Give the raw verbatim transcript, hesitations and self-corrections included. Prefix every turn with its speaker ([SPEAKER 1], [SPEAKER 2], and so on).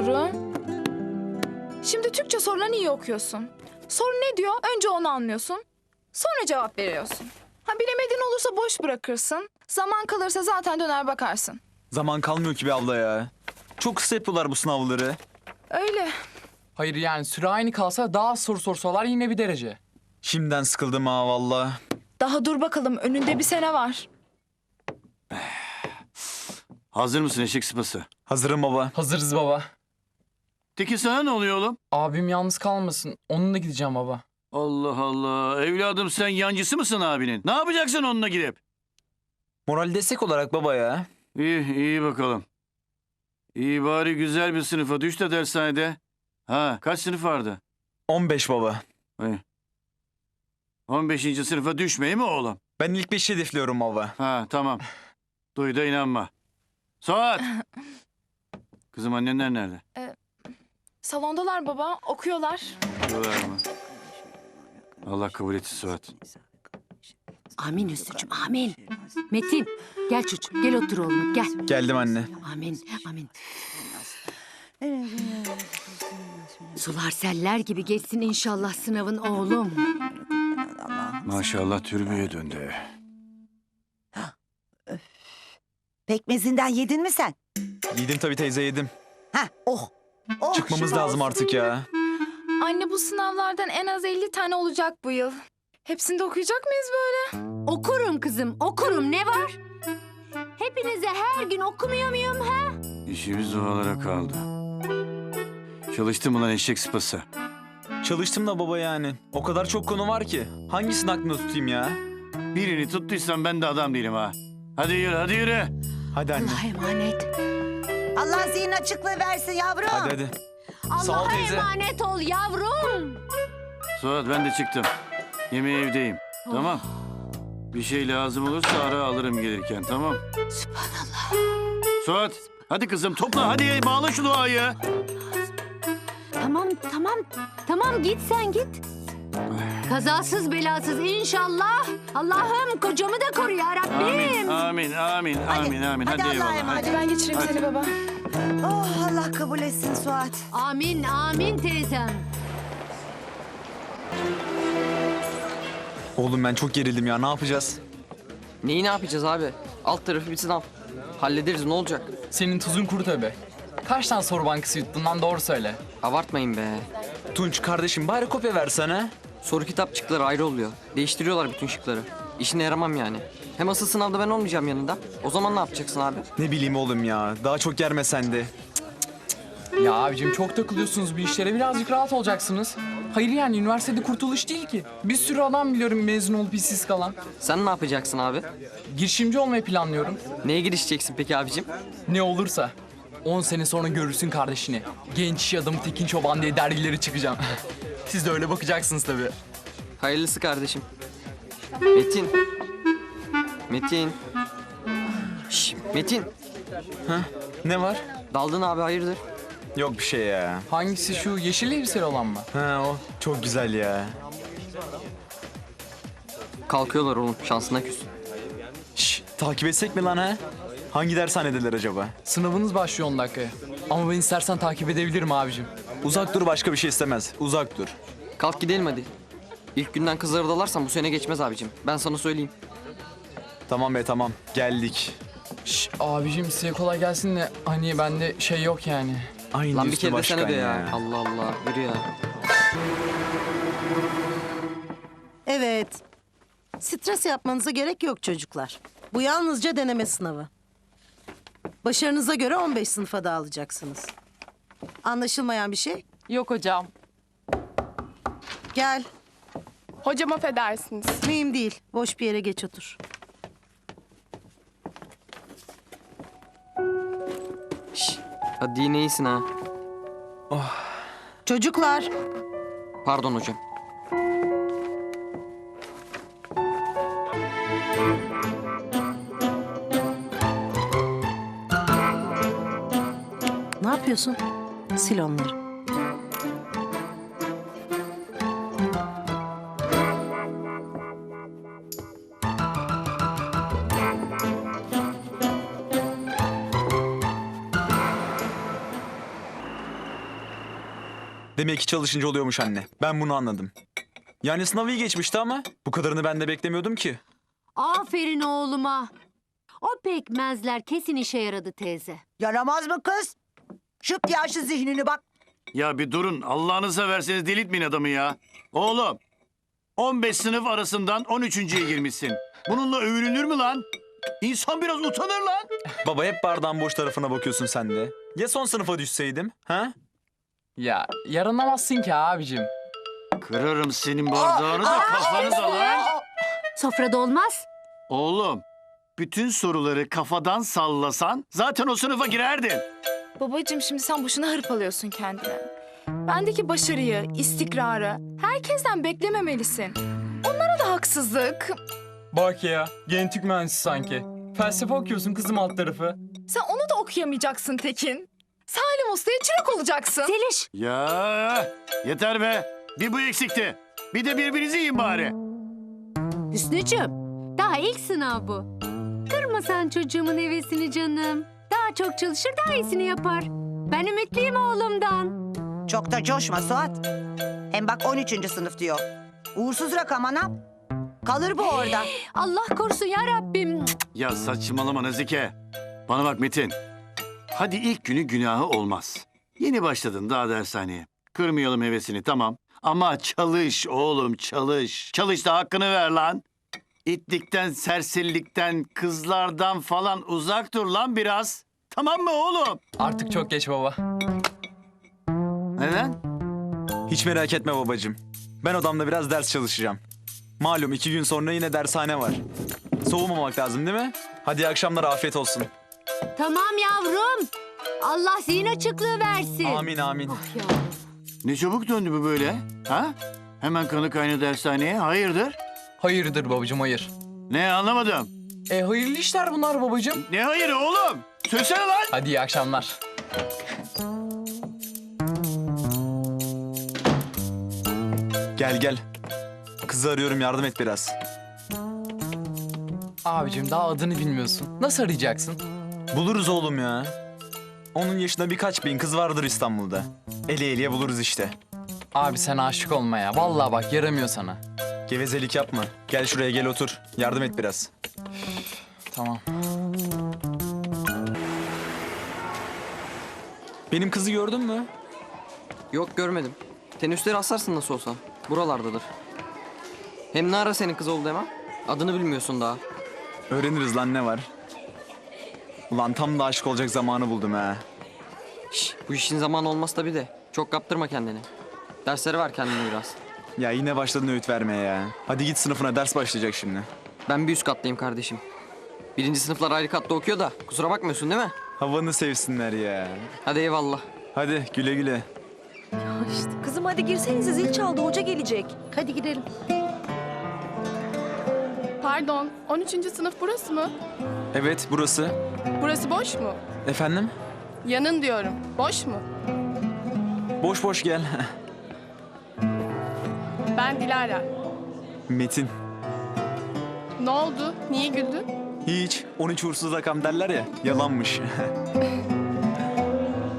[SPEAKER 1] soru. Şimdi Türkçe sorularını iyi okuyorsun. Soru ne diyor? Önce onu anlıyorsun. Sonra cevap veriyorsun. Ha bilemediğin olursa boş bırakırsın. Zaman kalırsa zaten döner bakarsın.
[SPEAKER 2] Zaman kalmıyor ki be abla ya. Çok kısa yapıyorlar bu sınavları.
[SPEAKER 1] Öyle.
[SPEAKER 3] Hayır yani süre aynı kalsa daha az soru sorsalar yine bir derece.
[SPEAKER 2] Şimdiden sıkıldım ha valla.
[SPEAKER 1] Daha dur bakalım. Önünde bir sene var.
[SPEAKER 4] Hazır mısın eşek sıpası?
[SPEAKER 2] Hazırım baba.
[SPEAKER 3] Hazırız baba.
[SPEAKER 4] Peki sana ne oluyor oğlum?
[SPEAKER 3] Abim yalnız kalmasın. Onunla gideceğim baba.
[SPEAKER 4] Allah Allah. Evladım sen yancısı mısın abinin? Ne yapacaksın onunla gidip?
[SPEAKER 2] Moral destek olarak baba ya.
[SPEAKER 4] İyi, iyi bakalım. İyi bari güzel bir sınıfa düş de dershanede. Ha, kaç sınıf vardı?
[SPEAKER 2] on beş baba.
[SPEAKER 4] İyi. on beşinci sınıfa düşmeyi mi oğlum?
[SPEAKER 2] Ben ilk beşi hedefliyorum baba.
[SPEAKER 4] Ha, tamam. Duy da inanma. Suat! Kızım annenler nerede?
[SPEAKER 1] Salondalar baba. Okuyorlar.
[SPEAKER 4] Diyorlar mı? Allah kabul etsin Suat.
[SPEAKER 5] Amin Hüsnü'cüğüm, amin. Metin, gel çocuğum, gel otur oğlum, gel.
[SPEAKER 2] Geldim anne.
[SPEAKER 5] Amin, amin. Sular seller gibi geçsin inşallah sınavın oğlum.
[SPEAKER 4] Maşallah türbüye döndü.
[SPEAKER 6] Pekmezinden yedin mi sen?
[SPEAKER 2] Yedim tabii teyze yedim.
[SPEAKER 6] Ha, oh. Oh,
[SPEAKER 2] Çıkmamız
[SPEAKER 6] şuna
[SPEAKER 2] lazım
[SPEAKER 6] olsun.
[SPEAKER 2] artık ya.
[SPEAKER 1] Anne bu sınavlardan en az elli tane olacak bu yıl. Hepsini de okuyacak mıyız böyle?
[SPEAKER 5] Okurum kızım, okurum, ne var? Hepinize her gün okumuyor muyum ha?
[SPEAKER 4] İşimiz dualara kaldı. Çalıştın mı lan eşek sıpası?
[SPEAKER 2] Çalıştım da baba yani. O kadar çok konu var ki. Hangisini aklımda tutayım ya?
[SPEAKER 4] Birini tuttuysam ben de adam değilim ha. Hadi yürü, hadi yürü.
[SPEAKER 2] Hadi anne.
[SPEAKER 5] Allah'a emanet.
[SPEAKER 6] Allah zihin açıklığı versin yavrum.
[SPEAKER 2] Hadi hadi. Sağ ol
[SPEAKER 5] Allah'a
[SPEAKER 2] teyze.
[SPEAKER 5] emanet ol yavrum.
[SPEAKER 4] Suat ben de çıktım. Yemeğe evdeyim. Tamam. Bir şey lazım olursa ara alırım gelirken tamam.
[SPEAKER 5] Sübhanallah.
[SPEAKER 4] Suat hadi kızım topla hadi bağla şu duayı.
[SPEAKER 5] Tamam, tamam, tamam git sen git. Kazasız belasız inşallah. Allah'ım kocamı da koru ya
[SPEAKER 4] Amin,
[SPEAKER 5] Rabbim.
[SPEAKER 4] amin, amin, amin, amin. Hadi,
[SPEAKER 6] hadi Allah'a
[SPEAKER 4] eyvallah.
[SPEAKER 6] emanet.
[SPEAKER 4] Hadi.
[SPEAKER 1] Ben geçireyim
[SPEAKER 4] Hadi.
[SPEAKER 1] seni baba.
[SPEAKER 6] Oh, Allah kabul etsin Suat.
[SPEAKER 5] Amin, amin teyzem.
[SPEAKER 2] Oğlum ben çok gerildim ya. Ne yapacağız?
[SPEAKER 7] Neyi ne yapacağız abi? Alt tarafı bir sınav. Hallederiz ne olacak?
[SPEAKER 3] Senin tuzun kuru tabii. Kaç tane soru bankası yuttun lan doğru söyle.
[SPEAKER 7] Abartmayın be.
[SPEAKER 2] Tunç kardeşim bari kopya versene.
[SPEAKER 7] Soru kitapçıkları ayrı oluyor. Değiştiriyorlar bütün şıkları. İşine yaramam yani. Hem asıl sınavda ben olmayacağım yanında. O zaman ne yapacaksın abi?
[SPEAKER 2] Ne bileyim oğlum ya. Daha çok germe sen de.
[SPEAKER 3] Ya abicim çok takılıyorsunuz bir işlere birazcık rahat olacaksınız. Hayır yani üniversitede kurtuluş değil ki. Bir sürü adam biliyorum mezun olup işsiz kalan.
[SPEAKER 7] Sen ne yapacaksın abi?
[SPEAKER 3] Girişimci olmayı planlıyorum.
[SPEAKER 7] Neye girişeceksin peki abicim?
[SPEAKER 3] Ne olursa. on sene sonra görürsün kardeşini. Genç iş adamı Tekin Çoban diye dergileri çıkacağım. Siz de öyle bakacaksınız tabii.
[SPEAKER 7] Hayırlısı kardeşim. Metin. Metin. Şş, Metin.
[SPEAKER 2] Ne var?
[SPEAKER 7] Daldın abi hayırdır?
[SPEAKER 2] Yok bir şey ya.
[SPEAKER 3] Hangisi şu yeşil elbiseli olan mı?
[SPEAKER 2] Ha o. Çok güzel ya.
[SPEAKER 7] Kalkıyorlar oğlum şansına küs.
[SPEAKER 2] Şş, takip etsek mi lan ha? Hangi dershanedeler acaba?
[SPEAKER 3] Sınavınız başlıyor on dakikaya. Ama ben istersen takip edebilirim abicim.
[SPEAKER 2] Uzak dur başka bir şey istemez. Uzak dur.
[SPEAKER 7] Kalk gidelim hadi. İlk günden kızları dalarsan bu sene geçmez abicim. Ben sana söyleyeyim.
[SPEAKER 2] Tamam be tamam. Geldik.
[SPEAKER 3] Şş, abicim size kolay gelsin de hani bende şey yok yani.
[SPEAKER 2] Aynı
[SPEAKER 7] Lan bir
[SPEAKER 2] üstü
[SPEAKER 7] kere de
[SPEAKER 2] başkan
[SPEAKER 7] sen öde ya.
[SPEAKER 2] ya.
[SPEAKER 7] Allah Allah yürü ya.
[SPEAKER 6] Evet. Stres yapmanıza gerek yok çocuklar. Bu yalnızca deneme sınavı. Başarınıza göre on beş sınıfa dağılacaksınız. Anlaşılmayan bir şey?
[SPEAKER 8] Yok hocam.
[SPEAKER 6] Gel.
[SPEAKER 8] Hocam affedersiniz.
[SPEAKER 6] Mühim değil. Boş bir yere geç otur.
[SPEAKER 7] Şş, hadi yine iyisin ha.
[SPEAKER 6] Çocuklar.
[SPEAKER 7] Pardon hocam.
[SPEAKER 6] Ne yapıyorsun? Sil onları.
[SPEAKER 2] Demek ki çalışınca oluyormuş anne. Ben bunu anladım. Yani sınavı iyi geçmişti ama bu kadarını ben de beklemiyordum ki.
[SPEAKER 5] Aferin oğluma. O pekmezler kesin işe yaradı teyze.
[SPEAKER 9] Yaramaz mı kız? Şıp diye açtı zihnini bak.
[SPEAKER 4] Ya bir durun. Allah'ınıza verseniz delirtmeyin adamı ya. Oğlum. on beş sınıf arasından on üçüncüye girmişsin. Bununla övünülür mü lan? İnsan biraz utanır lan.
[SPEAKER 2] Baba hep bardağın boş tarafına bakıyorsun sen de. Ya son sınıfa düşseydim? Ha?
[SPEAKER 3] Ya yaranamazsın ki abicim.
[SPEAKER 4] Kırarım senin bardağını da kafanı da lan.
[SPEAKER 5] Sofrada olmaz.
[SPEAKER 4] Oğlum. Bütün soruları kafadan sallasan zaten o sınıfa girerdin.
[SPEAKER 1] Babacığım şimdi sen boşuna hırpalıyorsun kendini. Bendeki başarıyı, istikrarı herkesten beklememelisin. Onlara da haksızlık.
[SPEAKER 3] Bak ya, genetik mühendisi sanki. Felsefe okuyorsun kızım alt tarafı.
[SPEAKER 1] Sen onu da okuyamayacaksın Tekin. Salim Usta'ya çırak olacaksın.
[SPEAKER 5] Zeliş.
[SPEAKER 4] Ya yeter be. Bir bu eksikti. Bir de birbirinizi yiyin bari.
[SPEAKER 5] Hüsnücüğüm, daha ilk sınav bu. Kırma sen çocuğumun hevesini canım. Daha çok çalışır, daha iyisini yapar. Ben ümitliyim oğlumdan.
[SPEAKER 9] Çok da coşma Suat. Hem bak on üçüncü sınıf diyor. Uğursuz rakam anam. Kalır bu orada.
[SPEAKER 5] Allah korusun ya Rabbim.
[SPEAKER 4] Ya saçmalama Nazike. Bana bak Metin. Hadi ilk günü günahı olmaz. Yeni başladın daha dershaneye. Kırmayalım hevesini tamam. Ama çalış oğlum çalış. Çalış da hakkını ver lan. İtlikten, serserilikten, kızlardan falan uzak dur lan biraz. Tamam mı oğlum?
[SPEAKER 3] Artık çok geç baba.
[SPEAKER 4] Neden?
[SPEAKER 2] Hiç merak etme babacığım. Ben odamda biraz ders çalışacağım. Malum iki gün sonra yine dershane var. Soğumamak lazım değil mi? Hadi iyi akşamlar, afiyet olsun.
[SPEAKER 5] Tamam yavrum. Allah zihin açıklığı versin.
[SPEAKER 2] Amin amin.
[SPEAKER 5] Oh ya.
[SPEAKER 4] Ne çabuk döndü bu böyle? Ha? Hemen kanı kaynadı dershaneye. Hayırdır?
[SPEAKER 3] Hayırdır babacığım hayır.
[SPEAKER 4] Ne anlamadım.
[SPEAKER 3] E hayırlı işler bunlar babacığım.
[SPEAKER 4] Ne hayırı oğlum? Söylesene lan.
[SPEAKER 3] Hadi iyi akşamlar.
[SPEAKER 2] Gel gel. Kızı arıyorum, yardım et biraz.
[SPEAKER 3] Abicim daha adını bilmiyorsun. Nasıl arayacaksın?
[SPEAKER 2] Buluruz oğlum ya. Onun yaşında birkaç bin kız vardır İstanbul'da. Eli eliye buluruz işte.
[SPEAKER 3] Abi sen aşık olma ya. Vallahi bak yaramıyor sana.
[SPEAKER 2] Gevezelik yapma. Gel şuraya, gel otur. Yardım et biraz.
[SPEAKER 3] Tamam.
[SPEAKER 2] Benim kızı gördün mü?
[SPEAKER 7] Yok görmedim. Tenüsleri asarsın nasıl olsa. Buralardadır. Hem ne ara senin kız oldu hemen? Adını bilmiyorsun daha.
[SPEAKER 2] Öğreniriz lan, ne var? Ulan tam da aşık olacak zamanı buldum ha.
[SPEAKER 7] Şş, bu işin zamanı olmaz tabii de. Çok kaptırma kendini. Dersleri ver kendine biraz.
[SPEAKER 2] Ya yine başladın öğüt vermeye ya. Hadi git sınıfına, ders başlayacak şimdi.
[SPEAKER 7] Ben bir üst kattayım kardeşim. Birinci sınıflar ayrı katta okuyor da kusura bakmıyorsun değil mi?
[SPEAKER 2] Havanı sevsinler ya.
[SPEAKER 7] Hadi eyvallah.
[SPEAKER 2] Hadi güle güle.
[SPEAKER 10] Kızım hadi girsenize, zil çaldı, hoca gelecek.
[SPEAKER 5] Hadi gidelim.
[SPEAKER 8] Pardon, on üçüncü sınıf burası mı?
[SPEAKER 2] Evet, burası.
[SPEAKER 8] Burası boş mu?
[SPEAKER 2] Efendim?
[SPEAKER 8] Yanın diyorum. Boş mu?
[SPEAKER 2] Boş boş gel.
[SPEAKER 8] Ben Dilara.
[SPEAKER 2] Metin.
[SPEAKER 8] Ne oldu? Niye güldün?
[SPEAKER 2] Hiç. on üç uğursuz rakam derler ya. Yalanmış.